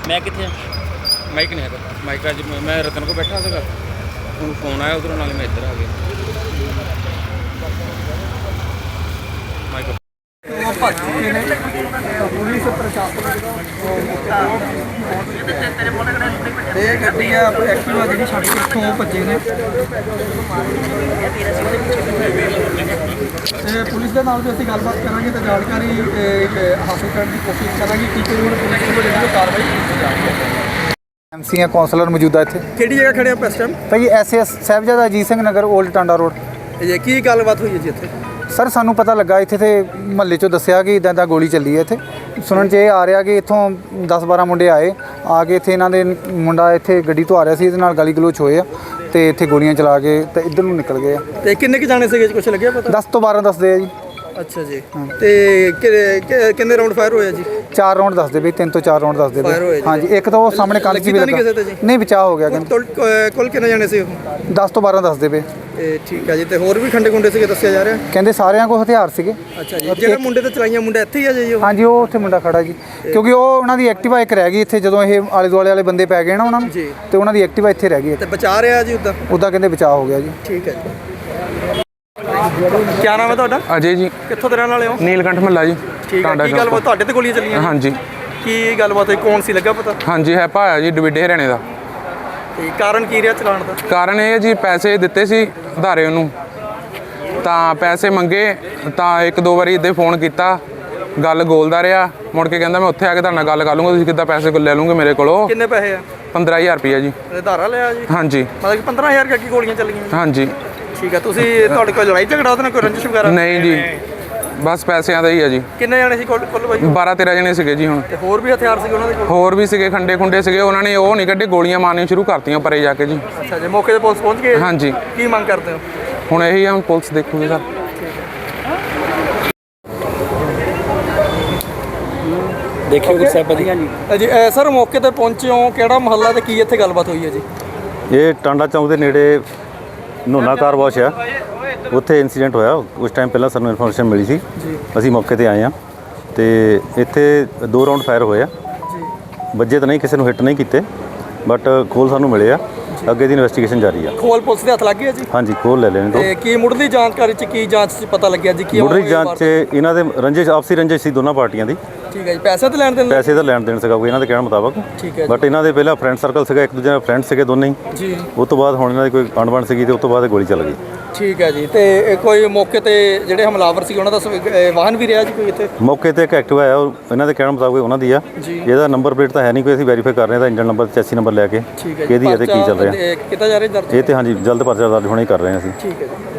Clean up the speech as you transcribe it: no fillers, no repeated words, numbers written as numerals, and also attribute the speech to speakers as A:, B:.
A: मैं कितने
B: माइक नहीं है माइक अज मैं रतन को बैठा था हूँ फोन आया उधरों नाल मैं इधर आ गया माइक
C: पुलिस प्रशासन गड्डी एक्टिवा जी छड़ के इतों भजे ने पुलिस के नाल भी असं गलबात करेंगे तो जानकारी हासिल करने की कोशिश करेंगे कि कोई पुलिस को जी कार्रवाई की जाएगी।
D: MC है कौंसलर मौजूदा इतने
C: ਕਿਹੜੀ ਜਗ੍ਹਾ ਖੜੇ ਆਪਾਂ ਇਸ ਟਾਈਮ
D: भाई SS Sahibzada Ajit Singh Nagar old Tanda road.
C: ਇਹ ਕੀ ਗੱਲਬਾਤ ਹੋਈ ਹੈ ਜੀ ਇੱਥੇ?
D: ਸਰ ਸਾਨੂੰ ਪਤਾ ਲੱਗਾ ਇੱਥੇ ਤੇ ਮਹੱਲੇ 'ਚੋਂ ਦੱਸਿਆ ਕਿ ਇਦਾਂ ਦਾ ਗੋਲੀ ਚੱਲੀ ਹੈ ਇੱਥੇ। ਸੁਣਨ 'ਚ ਇਹ ਆ ਰਿਹਾ ਕਿ ਇੱਥੋਂ 10-12 ਮੁੰਡੇ ਆਏ ਆ ਕੇ ਇੱਥੇ ਇਹਨਾਂ ਦੇ ਮੁੰਡਾ ਇੱਥੇ ਗੱਡੀ ਤੋਂ ਆ ਰਿਹਾ ਸੀ, ਇਹਦੇ ਨਾਲ ਗਾਲੀ ਗਲੋਚ ਹੋਏ ਆ ਤੇ ਇੱਥੇ ਗੋਲੀਆਂ ਚਲਾ ਕੇ ਤੇ ਇੱਧਰ ਨੂੰ ਨਿਕਲ ਗਏ ਆ।
C: ਤੇ ਕਿੰਨੇ ਕੁ ਜਾਣੇ ਸੀਗੇ ਕੁਝ ਲੱਗਿਆ ਪਤਾ?
D: 10 ਤੋਂ 12 ਦੱਸਦੇ ਆ ਜੀ।
C: ਅੱਛਾ ਜੀ। ਤੇ ਕਿੰਨੇ ਰਾਉਂਡ ਫਾਇਰ ਹੋਇਆ ਜੀ?
D: 4 ਰਾਉਂਡ ਦੱਸਦੇ ਬਈ, 3 ਤੋਂ 4 ਰਾਉਂਡ ਦੱਸਦੇ ਬਈ। ਹਾਂਜੀ ਇੱਕ ਤਾਂ ਉਹ ਸਾਹਮਣੇ ਕੰਨ 'ਚ ਵੀ ਲੱਗਾ ਨਹੀਂ, ਬਚਾਅ ਹੋ ਗਿਆ ਕਹਿੰਦੇ।
C: ਕੁੱਲ ਕਿੰਨੇ ਜਾਣੇ ਸੀ ਉਹ?
D: 10 ਤੋਂ 12 ਦੱਸਦੇ ਪਏ।
C: ਠੀਕ ਹੈ ਜੀ। ਤੇ ਹੋਰ ਵੀ ਖੰਡੇ ਖੁੰਡੇ ਸੀਗੇ ਦੱਸਿਆ ਜਾ ਰਿਹਾ?
D: ਕਹਿੰਦੇ ਸਾਰਿਆਂ ਕੋਲ ਹਥਿਆਰ ਸੀਗੇ।
C: ਅੱਛਾ ਜੀ। ਜਿਹੜੇ ਮੁੰਡੇ ਤੇ ਚਲਾਈਆਂ ਮੁੰਡਾ ਇੱਥੇ ਹੀ ਆ ਜੀ?
D: ਹਾਂਜੀ ਉਹ ਉੱਥੇ ਮੁੰਡਾ ਖੜਾ ਜੀ, ਕਿਉਂਕਿ ਉਹ ਉਹਨਾਂ ਦੀ ਐਕਟਿਵਾ ਇੱਕ ਰਹਿ ਗਈ ਇੱਥੇ ਜਦੋਂ ਇਹ ਆਲੇ ਦੁਆਲੇ ਵਾਲੇ ਬੰਦੇ ਪੈ ਗਏ ਨਾ ਉਹਨਾਂ ਨੂੰ, ਤੇ ਉਹਨਾਂ ਦੀ ਐਕਟਿਵਾ ਇੱਥੇ ਰਹਿ ਗਈ।
C: ਤੇ ਬਚਾ ਰਿਹਾ ਜੀ ਉੱਦਾਂ
D: ਕਹਿੰਦੇ ਬਚਾਅ ਹੋ ਗਿਆ ਜੀ।
C: ਠੀਕ ਹੈ ਜੀ। ਕੀ ਨਾਮ ਹੈ ਤੁਹਾਡਾ?
B: अजय जी
C: ਕਿੱਥੋਂ ਦੇ ਰਹਿਣ ਵਾਲੇ ਹੋ?
B: नीलकंठ महला जी
C: ਠੀਕ ਹੈ। ਕੀ ਗੱਲਬਾਤ ਤੁਹਾਡੇ ਤੇ ਗੋਲੀਆਂ ਚੱਲੀਆਂ?
B: हाँ जी
C: ਕੀ ਗੱਲਬਾਤ ਹੋਈ? ਕੌਣ ਸੀ ਲੱਗਾ ਪਤਾ?
B: हाँ जी है भाया जी डविड हरियाणे का।
C: ਤੇ ਕਾਰਨ ਕੀ ਰਿਹਾ ਚਲਾਉਣ ਦਾ?
B: ਕਾਰਨ ਇਹ ਜੀ ਪੈਸੇ ਦਿੱਤੇ ਸੀ ਉਧਾਰੇ ਉਹਨੂੰ, ਤਾਂ ਪੈਸੇ ਮੰਗੇ ਤਾਂ ਇੱਕ ਦੋ ਵਾਰੀ ਇੱਦਾਂ ਫੋਨ ਕੀਤਾ, ਗੱਲ ਗੋਲਦਾ ਰਿਹਾ, ਮੁੜ ਕੇ ਕਹਿੰਦਾ ਮੈਂ ਉੱਥੇ ਆ ਕੇ ਤੁਹਾਡੇ ਨਾਲ ਗੱਲ ਕਰ ਲੂੰਗਾ, ਤੁਸੀਂ ਕਿੱਦਾਂ ਪੈਸੇ ਲੈ ਲੂੰਗੇ ਮੇਰੇ ਕੋਲੋਂ।
C: ਕਿੰਨੇ ਪੈਸੇ ਆ?
B: 15000 ਰੁਪਈਆ ਜੀ।
C: ਧਾਰਾ ਲਿਆ ਜੀ?
B: ਹਾਂਜੀ
C: ਮਤਲਬ ਕਿ 15000 ਕਰਕੇ ਗੋਲੀਆਂ ਚੱਲੀਆਂ?
B: ਹਾਂਜੀ
C: ਠੀਕ ਹੈ। ਤੁਸੀਂ ਤੁਹਾਡੇ ਕੋਲ ਲੜਾਈ ਝਗੜਾ ਉਹਦੇ ਨਾਲ ਕੋਈ ਰੰਜਿਸ਼ ਵਗੈਰਾ?
B: ਨਹੀਂ ਜੀ, ਬਸ ਪੈਸਿਆਂ ਦਾ ਹੀ ਆ ਜੀ।
C: ਕਿੰਨੇ ਜਾਣੇ ਸੀ ਕੁੱਲ ਬਾਈ?
B: 12-13 ਜਣੇ ਸੀਗੇ ਜੀ। ਹੁਣ
C: ਤੇ ਹੋਰ ਵੀ ਹਥਿਆਰ ਸੀਗੇ ਉਹਨਾਂ ਦੇ ਕੋਲ?
B: ਹੋਰ ਵੀ ਸੀਗੇ, ਖੰਡੇ ਖੁੰਡੇ ਸੀਗੇ, ਉਹਨਾਂ ਨੇ ਉਹ ਨਹੀਂ ਕੱਢੇ, ਗੋਲੀਆਂ ਮਾਰਨੀਆਂ ਸ਼ੁਰੂ ਕਰਤੀਆਂ ਪਰੇ ਜਾ ਕੇ ਜੀ।
C: ਅੱਛਾ ਜੀ। ਮੌਕੇ ਤੇ ਪੁਲਿਸ ਪਹੁੰਚ ਗਈ?
B: ਹਾਂਜੀ।
C: ਕੀ ਮੰਗ ਕਰਦੇ ਹੋ?
B: ਹੁਣ ਇਹੀ ਆ, ਹੁਣ ਪੁਲਿਸ ਦੇਖੂਗੀ ਸਰ।
A: देखियो गुरु साहब जी।
C: ਜੀ ਸਰ ਮੌਕੇ ਤੇ ਪਹੁੰਚੇ ਹੋ, ਕਿਹੜਾ ਮਹੱਲਾ ਤੇ ਕੀ ਇੱਥੇ ਗੱਲਬਾਤ ਹੋਈ ਹੈ ਜੀ?
E: ਇਹ ਟਾਂਡਾ ਚੌਂਕ ਦੇ ਨੇੜੇ ਨੋਨਾ ਕਾਰ ਵਾਸ਼ ਆ, ਉੱਥੇ ਇਨਸੀਡੈਂਟ ਹੋਇਆ। ਉਸ ਟਾਈਮ ਪਹਿਲਾਂ ਸਾਨੂੰ ਇਨਫੋਰਮੇਸ਼ਨ ਮਿਲੀ ਸੀ, ਅਸੀਂ ਮੌਕੇ ਤੇ ਆਏ ਹਾਂ ਤੇ ਇੱਥੇ 2 ਰਾਉਂਡ ਫਾਇਰ ਹੋਏ ਆ। ਵੱਜੇ ਤਾਂ ਨਹੀਂ, ਕਿਸੇ ਨੂੰ ਹਿੱਟ ਨਹੀਂ ਕੀਤੇ, ਬਟ ਖੋਲ ਸਾਨੂੰ ਮਿਲੇ ਆ। ਅੱਗੇ ਦੀ ਇਨਵੈਸਟੀਗੇਸ਼ਨ ਜਾਰੀ ਆ।
C: ਖੋਲ ਪੁਲਿਸ ਦੇ ਹੱਥ ਲੱਗ ਗਿਆ ਜੀ?
E: ਹਾਂਜੀ, ਖੋਲ ਲੈ ਲੈਣੇ ਤੋਂ।
C: ਤੇ ਕੀ ਮੁੱਢਲੀ ਜਾਣਕਾਰੀ ਚ ਕੀ ਜਾਂਚ ਚ ਪਤਾ ਲੱਗਿਆ ਜੀ? ਕੀ
E: ਮੁੱਢਲੀ ਜਾਂਚ 'ਚ ਇਹਨਾਂ ਦੇ ਰੰਜਿਸ਼, ਆਪਸੀ ਰੰਜਿਸ਼ ਸੀ ਦੋਨਾਂ ਪਾਰਟੀਆਂ ਦੀ।
C: ਠੀਕ ਹੈ ਜੀ। ਪੈਸੇ ਤੇ ਲੈਣ ਦੇਣ?
E: ਪੈਸੇ ਦਾ ਲੈਣ ਦੇਣ ਸੀਗਾ ਕੋਈ ਇਹਨਾਂ ਦੇ ਕਹਿਣ ਮੁਤਾਬਕ।
C: ਠੀਕ ਹੈ।
E: ਬਟ ਇਹਨਾਂ ਦੇ ਪਹਿਲਾਂ ਫਰੈਂਡ ਸਰਕਲ ਸੀਗਾ, ਇੱਕ ਦੂਜੇ ਨਾਲ ਫਰੈਂਡ ਸੀਗੇ ਦੋਨੇ ਹੀ
C: ਜੀ।
E: ਉਸ ਤੋਂ ਬਾਅਦ ਹੁਣ ਇਹਨਾਂ ਦੀ ਕੋਈ ਅਣਬਣ ਸੀਗੀ ਤੇ ਉਸ ਤੋਂ ਬਾਅਦ ਗੋਲੀ ਚੱਲ ਗਈ।
C: ਠੀਕ ਹੈ ਜੀ। ਤੇ ਕੋਈ ਮੌਕੇ ਤੇ ਜਿਹੜੇ ਹਮਲਾਵਰ ਸੀ ਉਹਨਾਂ ਦਾ ਵਾਹਨ ਵੀ ਰਿਹਾ ਜੀ ਕੋਈ ਇੱਥੇ?
E: ਮੌਕੇ ਤੇ ਇੱਕ ਐਕਟਿਵਾ ਆਇਆ, ਉਹ ਇਹਨਾਂ ਦੇ ਕਹਿਣ ਮੁਤਾਬਕ ਉਹਨਾਂ ਦੀ ਆ। ਇਹਦਾ ਨੰਬਰ ਪਲੇਟ ਤਾਂ ਹੈ ਨਹੀਂ ਕੋਈ, ਅਸੀਂ ਵੈਰੀਫਾਈ ਕਰ ਰਹੇ ਹਾਂ, ਇੰਜਨ ਨੰਬਰ, ਚੈਸੀ ਨੰਬਰ ਲੈ ਕੇ
C: ਠੀਕ ਹੈ।
E: ਕਿਹਦੀ ਹੈ ਤੇ ਕੀ ਚੱਲ ਰਿਹਾ
C: ਕਿੱਦਾਂ ਜਾ ਰਿਹਾ ਦਰਜ?
E: ਇਹ ਤੇ ਹਾਂਜੀ ਜਲਦ ਪਰਚਾ ਦਰਜ ਹੋਣਾ ਹੀ ਕਰ ਰਹੇ ਹਾਂ ਅਸੀਂ।
C: ਠੀਕ ਹੈ ਜੀ।